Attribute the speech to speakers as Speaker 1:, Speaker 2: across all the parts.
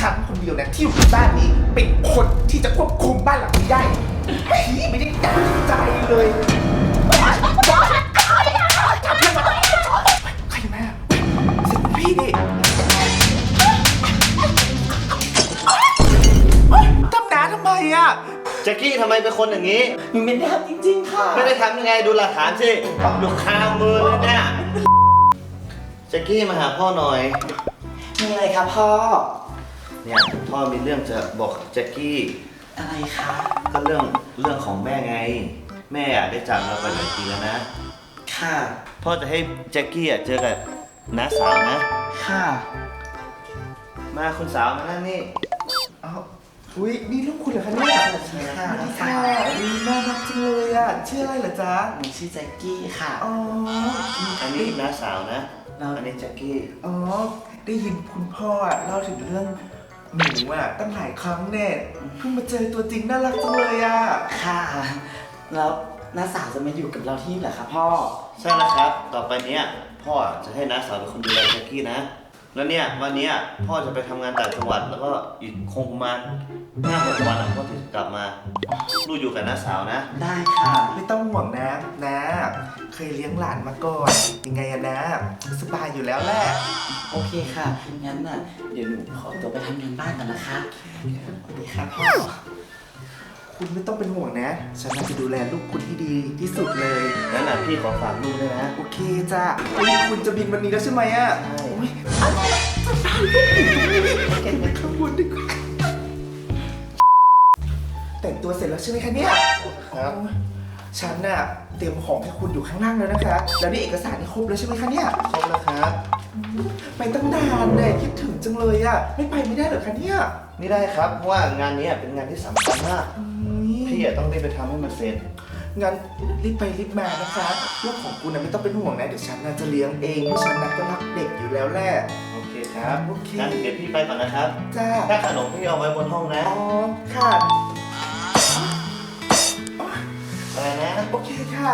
Speaker 1: ฉันคนเดียวนะที่อยู่ในบ้านนี้เป็นคนที่จะควบคุมบ้านหลังนี้ได้พี่ไม่ได้ตั้งใจเลยจับเพื่อนมาใครมาเสียงพี่ดิทำน้าทำไมอ่ะ
Speaker 2: แจ็คกี้ทำไมเป็นคนอย่างนี้
Speaker 1: หนูไม่ได้ทำจริงๆค่ะ
Speaker 2: ไม่ได้ทำยังไงดูหลักฐานสิอยู่คามือเลยเนี่ยแจ็คกี้มาหาพ่อหน่อย
Speaker 1: มีอะไรครับพ่อ
Speaker 2: เนี่ยพ่อมีเรื่องจะบอกแจ็คกี้
Speaker 1: อะไรคะ
Speaker 2: ก็เรื่องของแม่ไงแม่ได้จากเราไปหลายปีแล้วนะ
Speaker 1: ค่ะ
Speaker 2: พ่อจะให้แจ็คกี้เจอกับน้าสาวนะ
Speaker 1: ค่ะ
Speaker 2: มาคุณสาวมานั่นนี่
Speaker 1: อ้าวอุ้ยนี่ลูกคุณเหรอคะเนี่ยค่ะค่ะน่ารักจังเลยอ่ะชื่ออะไรเหรอจ๊ะ
Speaker 3: หนูชื่อแจ็คกี้ค่ะ
Speaker 1: อ๋อ
Speaker 2: อันนี้น้าสาวนะอันนี้แจ็คกี้
Speaker 1: อ๋อได้ยินคุณพ่อเล่าถึงเรื่องหนูตั้งหลายครั้งเนี่ยเพิ่งมาเจอตัวจริงน่ารักจังเลยอ่ะ
Speaker 3: ค่ะแล้วน้าสาวจะมาอยู่กับเราที่นี่เหรอคะพ่อ
Speaker 2: ใช่แล้วครับต่อไปเนี้ยพ่อจะให้น้าสาวเป็นคนดูแลแจ็คกี้นะแล้วเนี่ยวันนี้พ่อจะไปทำงานต่างจังหวัดแล้วก็อีกคงประมาณ5-6 วันพ่อถึงกลับมาลูกอยู่กับน้าสาวนะ
Speaker 3: ได้ค่ะ
Speaker 1: ไม่ต้องห่วงนะเคยเลี้ยงหลานมาก่อนยังไงนะสบายอยู่แล้วแหละ
Speaker 3: โอเคค่ะงั้นน่ะเดี๋ยวหนูขอตัวไปทำงานบ้านกันนะคะ
Speaker 1: สวัสดีค่ะพ่อคุณไม่ต้องเป็นห่วงนะฉันจะดูแลลูกคุณที่ดีที่สุดเลย
Speaker 2: งั้นพี่ขอฝากลูกด้วยนะ
Speaker 1: โอเคจ้ะคุณจะบินวันนี้แล้วใช่ไหมอ่ะ
Speaker 2: ใช่
Speaker 1: เก่งข้างบนดีกว่าแต่งตัวเสร็จแล้วใช่ไหมคะเนี่ย
Speaker 2: ครับ
Speaker 1: ฉันน่ะเตรียมของให้คุณอยู่ข้างล่างแล้วนะคะแล้วนี่เอกสารนี่ครบแล้วใช่ไหมคะเนี่ย
Speaker 2: ครบแล้วครับ
Speaker 1: ไปตั้งนานเลยคิดถึงจังเลยอ่ะไม่ไปไม่ได้เหรอคะเนี่ย
Speaker 2: ไม่ได้ครับเพราะว่างานนี้เป็นงานที่สำคัญมากพี่ต้องรีบไปทำให้มันเสร็จ
Speaker 1: งั้นรีบไปรีบมานะคะลูกของคุณนะไม่ต้องเป็นห่วงนะเดี๋ยวฉันจะเลี้ยงเองเพราะฉันก็รักเด็กอยู่แล้วแหละ
Speaker 2: โอเคครับ
Speaker 1: โอเค
Speaker 2: งั้นเดี๋ยวพี่ไปก่อนนะครับ
Speaker 1: จ้า
Speaker 2: ถ้าขนมพี่เอาไว้บนห้องนะ
Speaker 1: อ๋อค่ะ
Speaker 2: อะไรนะ
Speaker 1: โอเคค่ะ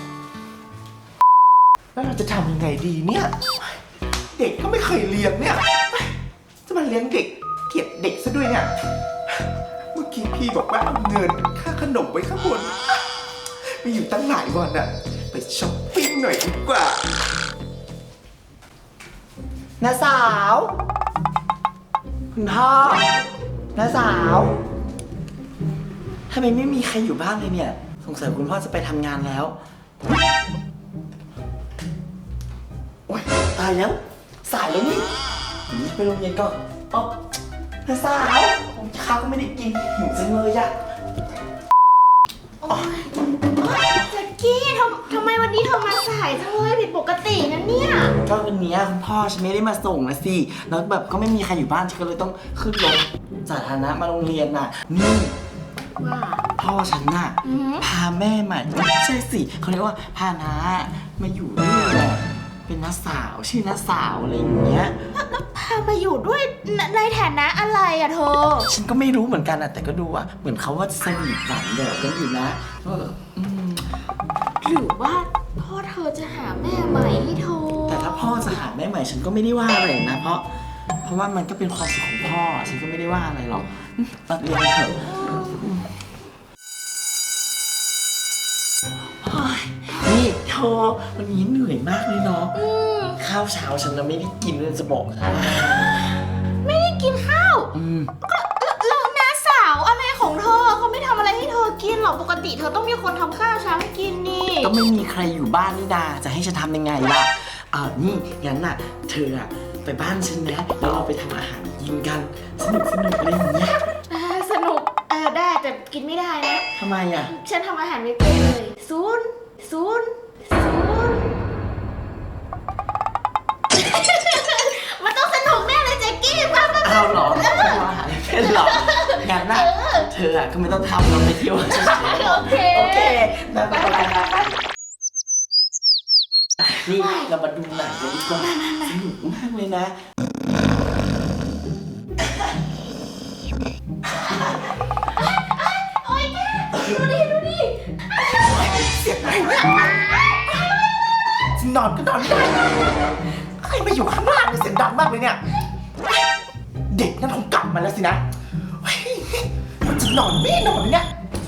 Speaker 1: แล้วเราจะทำยังไงดีเนี่ยเด็กก็ไม่เคยเลี้ยงเนี่ยจะมาเลี้ยงเด็กเกลียดเด็กซะด้วยเนี่ยเมื่อกี้พี่บอกว่าเอาเงินค่าขนมไว้ข้างบนมีอยู่ตั้งหลายวันอะไปช้อปปิ้งหน่อยดีกว่า
Speaker 3: น้าสาวคุณพ่อน้าสาวทำไมไม่มีใครอยู่บ้านเลยเนี่ยสงสัยคุณพ่อจะไปทำงานแล้วโอ๊ยตายแล้วสายแล้วนี่ไปโรงเรียนก่อนอ๊อบน้าสาวข้าวก็ไม่ได้กินหิวจังเลยอะ
Speaker 4: แจ็คกี้ทำไมวันนี้เธอมาสายจังเลยผิดปกตินะเนี่ย
Speaker 3: ก็วันนี้คุณพ่อฉันไม่ได้มาส่งนะสิแล้วแบบก็ไม่มีใครอยู่บ้านฉันก็เลยต้องขึ้นรถสาธารณะมาโรงเรียนน่ะนี่
Speaker 4: ว่า
Speaker 3: พ่อฉันน่ะพาแม่ใหม่ไม่ใช่สิเขาเรียกว่าพาน้ามาอยู่ด้วยแหละเป็นน้าสาวชื่อน้าสาวอะไรอย่างเงี้ย
Speaker 4: พามาอยู่ด้วยในฐานะอะไรอะเธอ
Speaker 3: ฉันก็ไม่รู้เหมือนกันอะแต่ก็ดูอะเหมือนเขาว่าสนิทหวานแหววกันอยู่นะ
Speaker 4: หรือว่าพ่อเธอจะหาแม่ใหม่ให้เธอ
Speaker 3: แต่ถ้าพ่อจะหาแม่ใหม่ฉันก็ไม่ได้ว่าอะไรนะเพราะว่ามันก็เป็นความสุขของพ่อฉันก็ไม่ได้ว่าอะไรหรอกตัดเรียนเถอะนี่เธอวันนี้เหนื่อยมากเลยเนาะข้าวเช้าฉันไม่ได้กินเลยจะบอก
Speaker 4: ไม่ได้กินข้าวแล้วน้าสาวอะไรของเธอเขาไม่ทำอะไรให้เธอกินหรอกปกติเธอต้องมีคนทำข้าวเช้าให้กินนี่
Speaker 3: ก็ไม่มีใครอยู่บ้านนี่นาจะให้ฉันทำยังไงล่ะนี่งั้นน่ะเธอไปบ้านฉันนะแล้วเราไปทำอาหารกินกันสนุกอะไรอย่างเงี้ย
Speaker 4: สนุกได้แต่กินไม่ได้นะ
Speaker 3: ทำไม
Speaker 4: ฉันทำอาหารไม่เป็นเลยศูนย์มันต้องสนุกแน่เลยแจ็คกี้มา
Speaker 3: เอาหรอทำอาหารเป็นหรองั้นน่ะเธอก็ไม่ต้องทำเราไปเที่ยว
Speaker 4: โอเค
Speaker 3: ไปนี่เรามาดูหนังกันดีกว่าสนุกมากเลยนะ
Speaker 4: โอ๊ยแกดูดิ
Speaker 1: เสียงอะไรเนี่ยนอนก็นอนไม่ได้ใครมาอยู่ข้างล่างเสียงดังมากเลยเนี่ยเด็กนั่นคงกลับมาแล้วสินะเฮ้ยมันจะนอนไม่นอนเนี่ย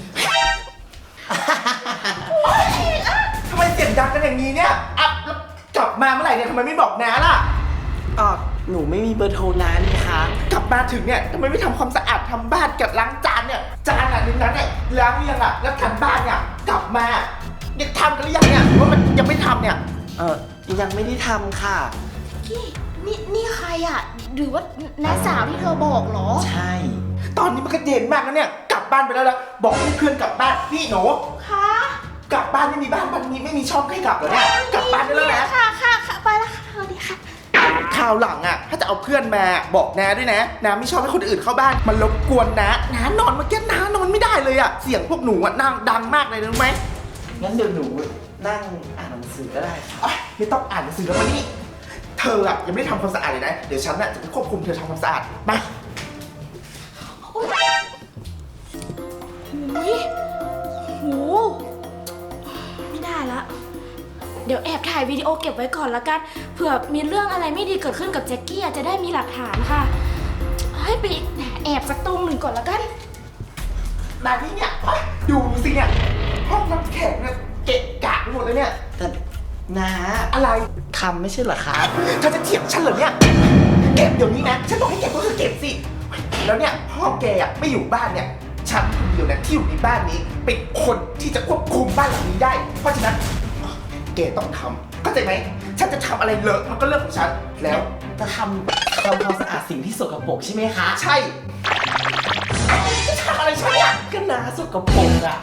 Speaker 1: ทำไมเสียงดังกันอย่างนี้เนี่ยอัพแล้วกลับมาเมื่อไหร่เนี่ยทำไมไม่บอกน้าล่ะ
Speaker 3: หนูไม่มีเบอร์โทรน้านี่คะ
Speaker 1: กลับมาถึงเนี่ยทำไมไม่ทำความสะอาดทำบ้านกับล้างจานเนี่ยจานอ่ะนึงนั้นเนี่ยล้างหรือยังอ่ะแล้วทำบ้านเนี่ยกลับมาเนี่ยทำกันหรือยังเนี่ยหรือว่ามันยังไม่ทำเนี่ย
Speaker 3: ยังไม่ได้ทำค่ะ
Speaker 4: กี้นี่ใครอ่ะ หรือว่าน้าสาวที่เธอบอกเหรอ
Speaker 3: ใช่
Speaker 1: ตอนนี้มันก็เย็นมากแล้วเนี่ยกลับบ้านไปแล้วบอกให้เพื่อนกลับบ้านนี่หนู
Speaker 4: คะ
Speaker 1: กลับบ้านไม่มีบ้านมันมีไม่มีช่องให้กลับเหรอเนี่ยกลับบ้านได้แล้วนะ
Speaker 4: ค่ะไปแล้วค่ะสวัสดีค่ะ
Speaker 1: คราวหลังอ่ะถ้าจะเอาเพื่อนมาบอกน้าด้วยนะน้าไม่ชอบให้คนอื่นเข้าบ้านมันรบกวนน้านอนเมื่อกี้น้านอนไม่ได้เลยอ่ะเสียงพวกหนูอ่ะนั่งดังมากเลยรู้ไหม
Speaker 3: งั้นเดี๋ยวหนูนั่งอ่านหนังสือก็ได้ค่ะ
Speaker 1: อ๊ะไม่ต้องอ่านหนังสือแล้วมานี่เธออ่ะยังไม่ได้ทำความสะอาดเลยนะเดี๋ยวฉันอ่ะจะไปควบคุมเธอทำความสะอาดมา
Speaker 4: อุ้ยโหไม่ได้ละ เดี๋ยวแอบถ่ายวิดีโอเก็บไว้ก่อนละกัน เผื่อมีเรื่องอะไรไม่ดีเกิดขึ้นกับแจ็คกี้จะได้มีหลักฐานค่ะ ให้ไปแอบสักตรงหนึ่งก่อนละกัน
Speaker 1: นานี่เนี่ยอ๊ะดูสิเนี่ยห้องน้ำแข็งเนี่ยเกะกะไปหมดเลยเนี่ย
Speaker 3: แต่น้า
Speaker 1: อะไร
Speaker 3: ทำไม่ใช่เหรอคะ
Speaker 1: เธอจะเถียงฉันเหรอเนี่ยเก็บเดี๋ยวนี้นะฉันบอกให้เก็บก็คือเก็บสิแล้วเนี่ยพ่อแกอ่ะไม่อยู่บ้านเนี่ยฉันคนเดียวเนี่ยที่อยู่ในบ้านนี้เป็นคนที่จะควบคุมบ้านหลังนี้ได้ เพราะฉะนั้นแกต้องทำเข้าใจไหมฉันจะทำอะไรเลอะมันก็เรื่องของฉันแล้ว
Speaker 3: จะทำความสะอาดสิ่งที่สกปรกใช่ไหมคะ
Speaker 1: ใช่จะทำอะไรฉันเนี่ย
Speaker 3: ก็น้าสกปรกอะ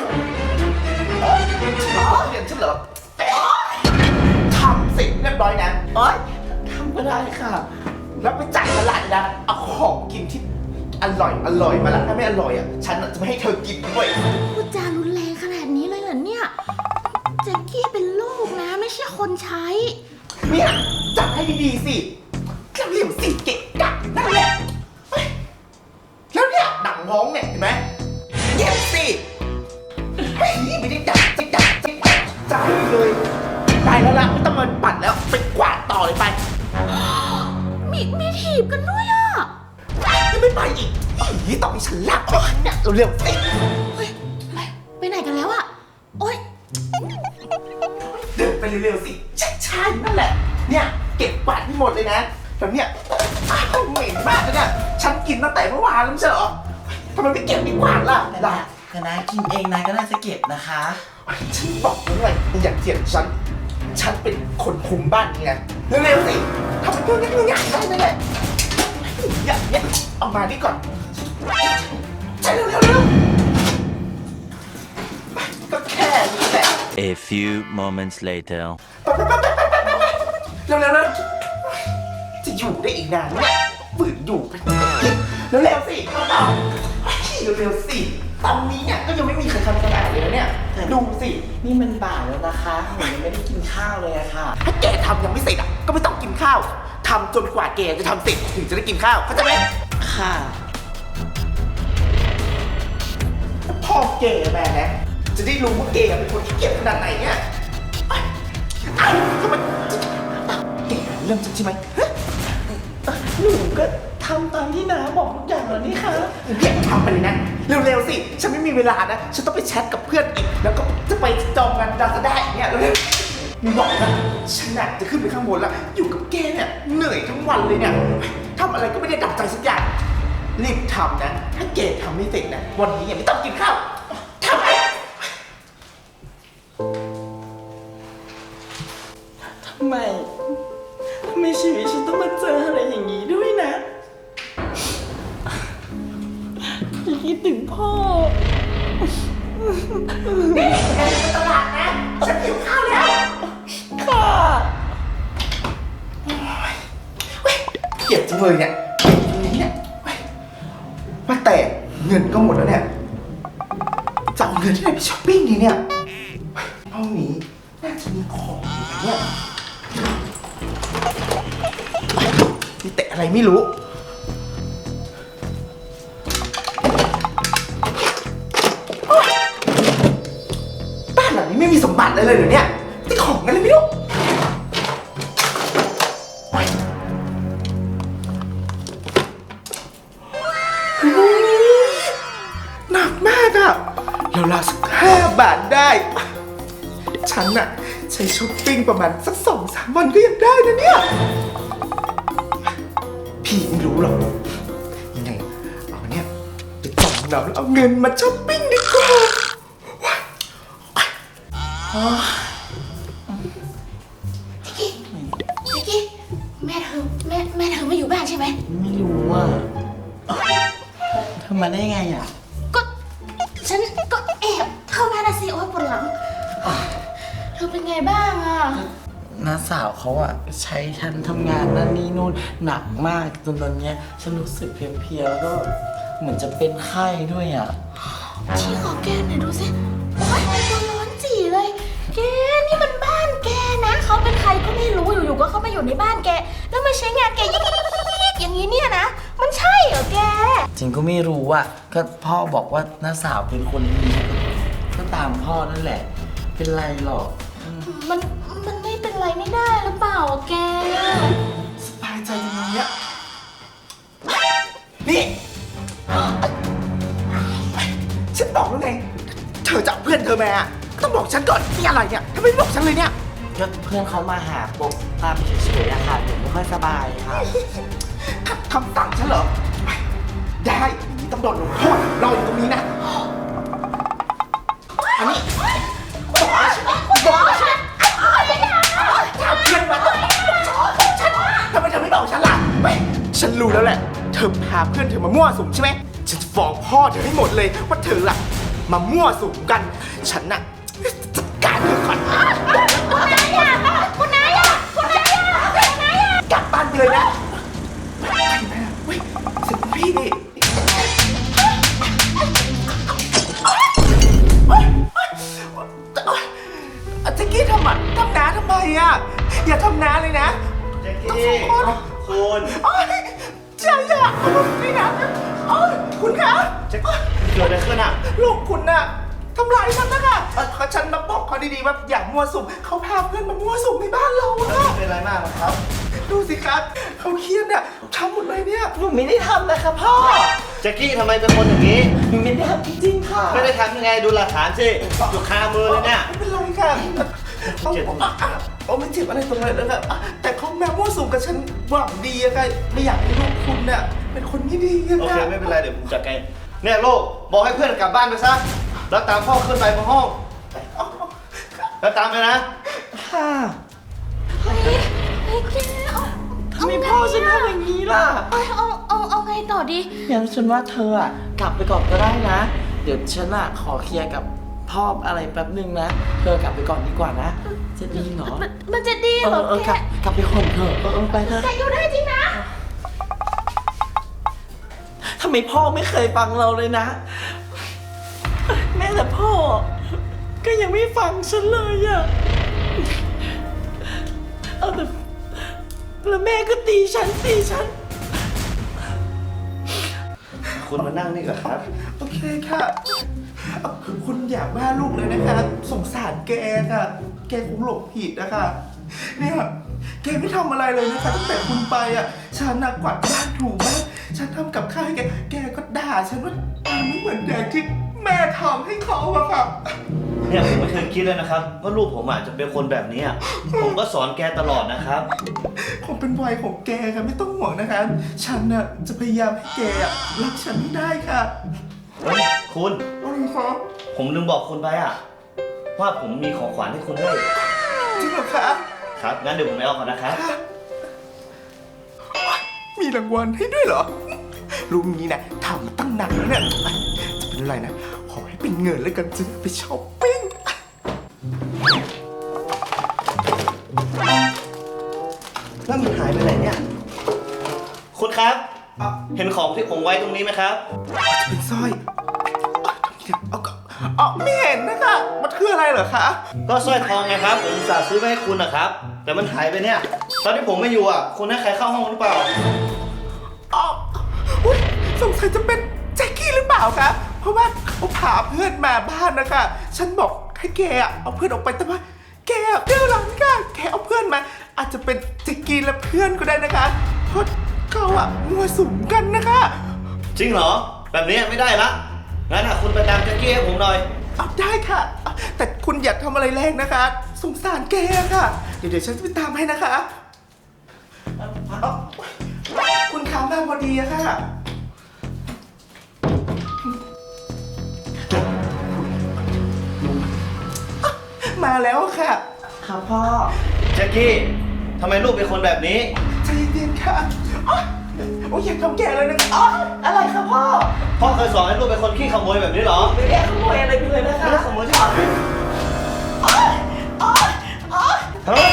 Speaker 1: เรียนฉันเหรอทำเสร็จเรียบร้อยนะ
Speaker 3: ทำก็ได้ค่ะ
Speaker 1: แล้วไปจ่ายตลาดนะเอาของกินที่อร่อยมาละถ้าไม่อร่อยอ่ะฉันจะไม่ให้เธอกินด้วย
Speaker 4: พูดจารุนแรงขนาดนี้เลยเหรอเนี่ย แจ็คกี้เป็นลูกนะ ไม่ใช่คนใช้
Speaker 1: เนี่ยจัดให้ดีๆสิเรียบๆสิเกะกะนั่นแหละเฮ้ยแล้วเนี่ยดั่งมองเนี่ยเห็นไหมเย็บสิเฮ้ยไม่ได้ดักใจเลยไปแล้วล่ะไม่ต้องมาปั่นแล้วไปกวาดต่อเลยไป
Speaker 4: มีถีบกันด้วยอ่ะ
Speaker 1: ยังไม่ไปอีกนี่ต้องให้ฉันลากเนี่ยเร็วๆสิ
Speaker 4: เฮ้ยไปไหนกันแล้วอ่ะ โอ๊ย
Speaker 1: เดินไปเร็วๆสิใช่ๆนั่นแหละ เนี่ยเก็บกวาดให้หมดเลยนะแล้วเนี่ยอ้าวเหม็นมากเลยเนี่ยฉันกินตั้งแต่เมื่อวานแล้วไม่ใช่เหรอทำไมไม่เก็บไม่กวาดล่ะ
Speaker 3: แต่น้ากินเองน้าก็น่าจะเก็บนะคะ
Speaker 1: ฉันบอกแล้วไงอย่าเถียงฉันเป็นคนคุมบ้านนี้นะเร็วๆสิทำเป็นตัวง่ายๆได้ไหมเนี่ยอย่างเนี้ยเอามานี่ก่อนใช่เร็วๆก็แค่นี้แหละ
Speaker 5: A few moments later.
Speaker 1: เร็วจะอยู่ได้อีกนานเนี่ยฝืนอยู่ไปเร็วสิเอาเร็วสิตอนนี้เนี่ยก็ยังไม่มีใครทำสะอาดเลยนะเนี่ยดูสิ
Speaker 3: นี่มันบ่ายแล้วนะคะหนูยังไม่ได้กินข้าวเลยอะค่ะ
Speaker 1: ถ้าแกทำยังไม่เสร็จอ่ะก็ไม่ต้องกินข้าวทำจนกว่าแกจะทำเสร็จถึงจะได้กินข้าวเข้าใจไหม
Speaker 3: ค่ะ
Speaker 1: พ่อแกมานะจะได้รู้ว่าแกเป็นคนที่เกียจขนาดไหนเนี่ยอ้าวทำไมแกเรื่องจริงใช่ไหม
Speaker 3: หนูก็ทำตามที่น้าบอกทุกอย่างแล้วนี่คะ
Speaker 1: แกทำไปเลยนะเร็วๆสิฉันไม่มีเวลานะฉันต้องไปแชทกับเพื่อนอีกแล้วก็จะไปจองงานดาสด้าอีกเนี่ยเร็วๆมึงบอกนะฉันน่ะจะขึ้นไปข้างบนแล้วอยู่กับแกเนี่ยเหนื่อยทั้งวันเลยเนี่ยทำอะไรก็ไม่ได้ดั่งใจสักอย่างรีบทำนะถ้าแกทำไม่เสร็จนะวันนี้ยังไม่ต้องกินข้าวทำไม
Speaker 3: ทำไมชีวิตฉันต้องมาเจออะไรอย่างนี้ด้วยนะคิดถึงพ่อ
Speaker 1: นี่แกจะไปตลาดนะฉันหิวข้าวแล้ว
Speaker 3: ค่ะ
Speaker 1: เกลียดจังเลยเนี่ยเนี่ยว่าแต่เงินก็หมดแล้วเนี่ยจะเอาเงินที่ไหนไปช้อปปิ้งดีเนี่ยห้องนี้น่าจะมีของอยู่นะเนี่ยมีแต่อะไรไม่รู้บ้านหลังนี้ไม่มีสมบัติเลยเหรอเนี่ยที่ของอะไรไม่รู้หนักมากอะแล้วลาสัก5 บาทได้ ฉันน่ะใช้ช้อปปิ้งประมาณสัก2-3 วันก็ยังได้นะเนี่ย พี่ไม่รู้หรอก ยังไงเอาเนี่ยไปจำนำแล้วเอาเงินมาช้อปปิ้งดีกว่า
Speaker 4: จิกกี้แม่เธอไม่อยู่บ้านใช่ไหม
Speaker 3: ไม่รู้ว่าเธอมาได้ไงอ่ะ
Speaker 4: ก็ฉันก็แอบเข้ามานะสิโอ๊ยปวดหลังเธอเป็นไงบ้างอ่ะ
Speaker 3: น้าสาวเขาอ่ะใช้ฉันทำงานนั่นนี่นู่นหนักมากจนตอนเนี้ยฉันรู้สึกเพลียๆแล้วก็เหมือนจะเป็นไข้ด้วยอ่ะ
Speaker 4: ชี้ขอแกหน่อยดูสิโอ๊ยตัวร้อนจีเลยแกนี่มันบ้านแกนะเขาเป็นใครก็ไม่รู้อยู่ๆก็เข้ามาอยู่ในบ้านแกแล้วมาใช้งานแกยิกอย่างนี้เนี่ยนะมันใช่เหรอแก
Speaker 3: จริงก็ไม่รู้อ่ะก็พ่อบอกว่าน้าสาวเป็นคนดีก็ตามพ่อนั่นแหละ เป็นไรหรอก
Speaker 4: มันไม่เป็นไรไม่ได้หรือเปล่าอะแก
Speaker 1: สบายใจอย่างนี้อะนี่ ฉันบอกแล้วไง เธอจะเอาเพื่อนเธอมาต้องบอกฉันก่อนนี่อะไรเนี่ยทำไมไม่บอกฉันเลยเนี่ย
Speaker 3: ก็เพื่อนเขามาหาปกตามเฉยๆอะค่ะผมไม่ค่อยสบายค่ะ
Speaker 1: ขัดคำสั่งฉันเหรอ ได้ต้องโดนลงโทษรออยู่ตรงนี้นะ อันนี้บอกฉันถามเพื่อนมาทำไมเธอไม่บอกฉันล่ะไม่ฉันรู้แล้วแหละ เธอพาเพื่อนเธอมามั่วสุมใช่ไหมฉันจะฟ้องพ่อเธอให้หมดเลยว่าเธอล่ะมามั่วสุมกัน ฉันน่ะจัดการเธอก่อนกลับบ้านไปเลยนะไปนะเว้ยสิพี่ดิแจ็คกี้ทำน้าทำไมอ่ะอย่าทำน้าเลยนะ
Speaker 2: แจ็คกี้คุณ
Speaker 1: โอ๊ยใจอ่ะนี่นะโอ๊ยคุณคะ
Speaker 2: แจ็คเกิดอะไรขึ้นอ่ะ
Speaker 1: ลูกคุณน่ะทำร้ายฉันนะคะฉันมาบอกเขาดีๆว่าอย่ามั่วสุมเขาพาเพื่อนมามั่วสุมในบ้านเราอะ
Speaker 2: เป็นอะไรมากครับ
Speaker 1: ดูสิครับเขาเครียดเนี่ยทำหมดเลยเนี่ย
Speaker 3: หนูไม่ได้ทำนะคะพ่อ
Speaker 2: แจ็คกี้ทำไมเป็นคนอย่างนี้
Speaker 3: หนูไม่ได้ทำจริงๆค่ะ
Speaker 2: ไม่ได้ทำยังไงดูหลักฐานสิอยู่คามือเลยเนี่ย
Speaker 1: ไม่เป็นไรค่ะ
Speaker 2: เจ็บตรงไหนครับ
Speaker 1: ไม่เจ็บอะไรตรงไหนเลยครับแต่เขาแม่มั่วสุมกับฉันหวังดีอะค่ะไม่อยากให้ลูกคุณเนี่ยเป็นคนไม่ดีอะ
Speaker 2: โอเค
Speaker 1: ค่ะ
Speaker 2: ไม่เป็นไรเดี๋ยวผมจัดการเนี่ยโลกบอกให้เพื่อนกลับบ้านไปซะแล้วตามพ่อขึ้นไปบนห้องแล้วตามไปนะ
Speaker 3: ค่ะ
Speaker 4: เฮ้ยแกเอา
Speaker 3: ทำไมพ่อฉันทำอย่างนี้ล่ะ
Speaker 4: เอาไงต่อดี
Speaker 3: งั้นฉันว่าเธออะกลับไปก่อนก็ได้นะ เดี๋ยวฉันอะขอเคลียร์กับพ่ออะไรแป๊บนึงนะ เธอกลับไปก่อนดีกว่านะ จะดีเหรอ
Speaker 4: มันจะดีเหรอ
Speaker 3: เออ
Speaker 4: แก
Speaker 3: กลับไปก่อนเถอะไปเถอะ
Speaker 4: แกอยู่ได้จริงนะ
Speaker 3: ทำไมพ่อไม่เคยฟังเราเลยนะ แม้แต่พ่อ ก็ยังไม่ฟังฉันเลยอะเอาแต่แล้วแม่ก็ตีฉัน
Speaker 2: คุณมานั่งนี่ก่อนครับ
Speaker 1: โอเคค่ะคุณอย่าว่าลูกเลยนะคะสงสารแกค่ะแกคงหลงผิดนะคะเนี่ยแกไม่ทำอะไรเลยนะคะตั้งแต่คุณไปอ่ะฉันน่ะกวาดบ้านถูบ้านฉันทำกับข้าวให้แกก็ด่าฉันว่าไม่เหมือนอย่างที่แม่ทำให้เขาอะค่ะ
Speaker 2: เนี่ยผมไม่เคยคิดเลยนะครับว่าลูกผมอาจจะเป็นคนแบบนี้ผมก็สอนแกตลอดนะครับ
Speaker 1: คงเป็นวัยของแกค่ะไม่ต้องห่วงนะคะฉันน่ะจะพยายามให้แกอะรักฉันให้ได้ค่ะ
Speaker 2: เฮ้ยคุณ
Speaker 1: อะไรคะ
Speaker 2: ผมลืมบอกคุณไปว่าผมมีของขวัญให้คุณด้วย
Speaker 1: จริงเหรอคะ
Speaker 2: ครับงั้นเดี๋ยวผมไปเอาก่อนนะครับ
Speaker 1: มีรางวัลให้ด้วยเหรอลุงนี้นะทำมาตั้งนานแล้วเนี่ยจะเป็นอะไรนะขอให้เป็นเงินแล้วกันจะได้ไปช้อปปิ้ง
Speaker 2: แล้วมันหายไปไหนเนี่ย คุณครับ เห็นของที่ผมไว้ตรงนี้ไหมครับ
Speaker 1: เป็นสร้อยไม่เห็นนะคะมันคืออะไรเหรอคะ
Speaker 2: ก็สร้อยทองไงครับ ผมอุตส่าห์ซื้อมาให้คุณนะครับ แต่มันหายไปเนี่ย ตอนที่ผมไม่อยู่คุณให้ใครเข้าห้องหรือเปล่า
Speaker 1: อุ๊ยสงสัยจะเป็นแจ็คกี้หรือเปล่าคะเพราะว่าเขาพาเพื่อนมาบ้านนะคะฉันบอกให้แกเอาเพื่อนออกไปแต่ว่าแกเรื่องหลังค่ะแกเอาเพื่อนมาอาจจะเป็นแจ็คกี้และเพื่อนก็ได้นะคะเพราะเขามั่วสุมกันนะคะ
Speaker 2: จริงเหรอ แบบนี้ไม่ได้ละงั้นคุณไปตามแจ็คกี้ให้ผมหน่อย
Speaker 1: เอาได้ค่ะเอาแต่คุณอย่าทำอะไรแรงนะคะ สงสารแกค่ะ เดี๋ยวฉันจะไปตามให้นะคะเอาคุณค้ามาพอดีอะค่ะ มาแล้วค่ะ
Speaker 3: ครับพ่อ
Speaker 2: แจ็คกี้ทำไมลูกเป็นคนแบบนี้
Speaker 1: ใจเย็นๆค่ะอ๊ะโอ้ยอย่าทำแกเลยนะคะอ๊ะ
Speaker 3: อะไรครับพ่อ
Speaker 2: พ่อเคยสอนให้ลูกเป็นคนขี้ขโมยแบบนี้เหรอ
Speaker 3: ไม่ได้ขโมยอะไรไปเลยนะคะ
Speaker 2: ไม่ได้ขโมยใช่ไหม
Speaker 1: ฮะ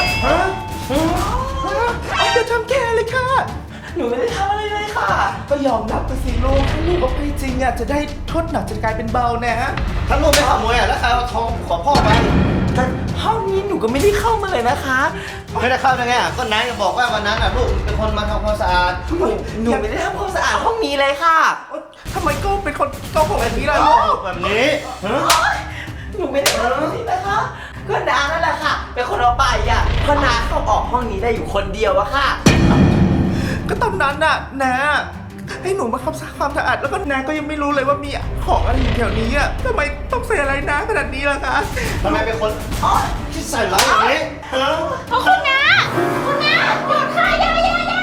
Speaker 1: อย่าทำแกเลยค่ะ
Speaker 3: หนูไม่ได้ทำอะไรเลยค่ะ
Speaker 1: ก็ยอมรับไปสิลูกถ้าลูกเอาไปจริงอ่ะจะได้โทษหนักจะกลายเป็นเบานะ
Speaker 2: ถ้าลูกไม่ขโมยแล้วใครเอาทองของพ่อไป
Speaker 3: แต่ห้องนี้หนูก็ไม่ได้เข้ามาเลยนะคะ
Speaker 2: ไม่ได้เข้าได้ไงก็นายก็บอกว่าวันนั้นลูกเป็นคนมาทำความสะอาด
Speaker 3: หนูไม่ได้ทำความสะอาดห้องนี้เลยค่ะ
Speaker 1: ทำไมก็เป็นคนโกหกแบบนี้ล่ะลูก
Speaker 2: แบบนี้ฮะ
Speaker 3: หนูไม่ได้ทำแบบนี้นะคะ ก็น้านั่นแหละค่ะ เป็นคนเอาไปอ่ะเพราะน้าเข้าออกห้องนี้ได้อยู่คนเดียวอะค่ะ
Speaker 1: ก็ตอนนั้นน่ะนะให้หนูมาทำความสะอาดแล้วก็นาก็ยังไม่รู้เลยว่ามีของอะไรอยู่แถวนี้อ่ะทำไมต้องใส่อะไรนะขนาดนี้ล่ะคะ
Speaker 2: ทำไมเป็นคนที่ใส่ร้ายอย่างนี้ฮะ
Speaker 4: คุณน้าหยุดค่ะอย่า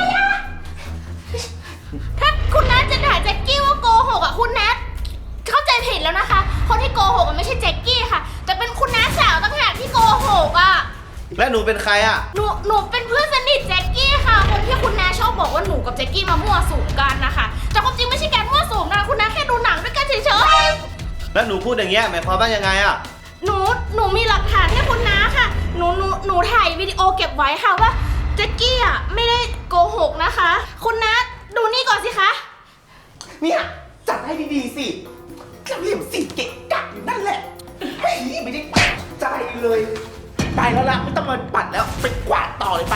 Speaker 4: ถ้าคุณน้าจะด่าแจ็คกี้ว่าโกหกอ่ะคุณน้าเข้าใจผิดแล้วนะคะ คนที่โกหกมันไม่ใช่แจ็คกี้ค่ะ แต่เป็นคุณน้าสาวต่างหากที่โกหกอ่ะ
Speaker 2: และหนูเป็นใครอ่ะ
Speaker 4: หนูเป็นเพื่อนสนิทแจ็คกี้ค่ะ คนที่คุณน้าชอบบอกว่าหนูกับแจ็คกี้มามั่วสุมกันนะคะแต่ความจริงไม่ใช่การมั่วสุมนะคุณน้าแค่ดูหนังด้วยกันเฉยๆ
Speaker 2: แล้วหนูพูดอย่างเงี้ยหมายความว่ายังไงอ่ะ
Speaker 4: หนูมีหลักฐานให้คุณน้าค่ะ หนูถ่ายวิดีโอเก็บไว้ค่ะว่าแจ็คกี้อ่ะไม่ได้โกหกนะคะ คุณน้าดูนี่ก่อนสิคะ
Speaker 1: เนี่ยจัดให้ดีๆสิจะเหลี่ยมสิเกะกะอยู่นั่นแหละเฮ้ยไม่ได้ใจเลยไปแล้วล่ะไม่ต้องมาปัดแล้วไปกวาดต่อเลยไป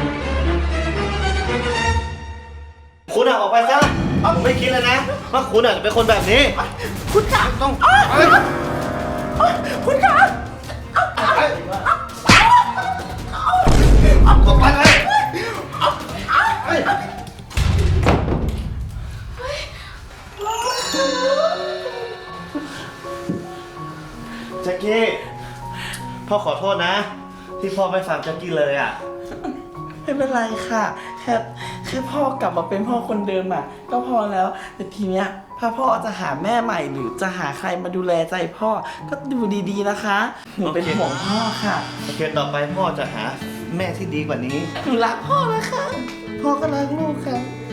Speaker 2: คุณออกไปซะไม่คิดเลยนะว่าคุณจะเป็นคนแบบนี้
Speaker 1: คุณขา
Speaker 2: ต้อง
Speaker 1: คุณขา
Speaker 2: ออกไปเลยเฮ้ย แจ็คกี้ พ่อขอโทษนะ ที่พ่อไม่ฟังแจ็คกี้เลยอ่ะ
Speaker 3: ไม่เป็นไรค่ะ แค่พ่อกลับมาเป็นพ่อคนเดิมอ่ะ ก็พอแล้ว แต่ทีเนี้ยถ้าพ่อจะหาแม่ใหม่หรือจะหาใครมาดูแลใจพ่อ ก็ดูดีๆนะคะ หนูเป็น
Speaker 2: โอเค
Speaker 3: ห่วงพ่อค่ะ
Speaker 2: โอเค ต่อไปพ่อจะหาแม่ที่ดีกว่านี้
Speaker 3: หนูรักพ่อนะคะ พ่อก็รักลูกค่ะ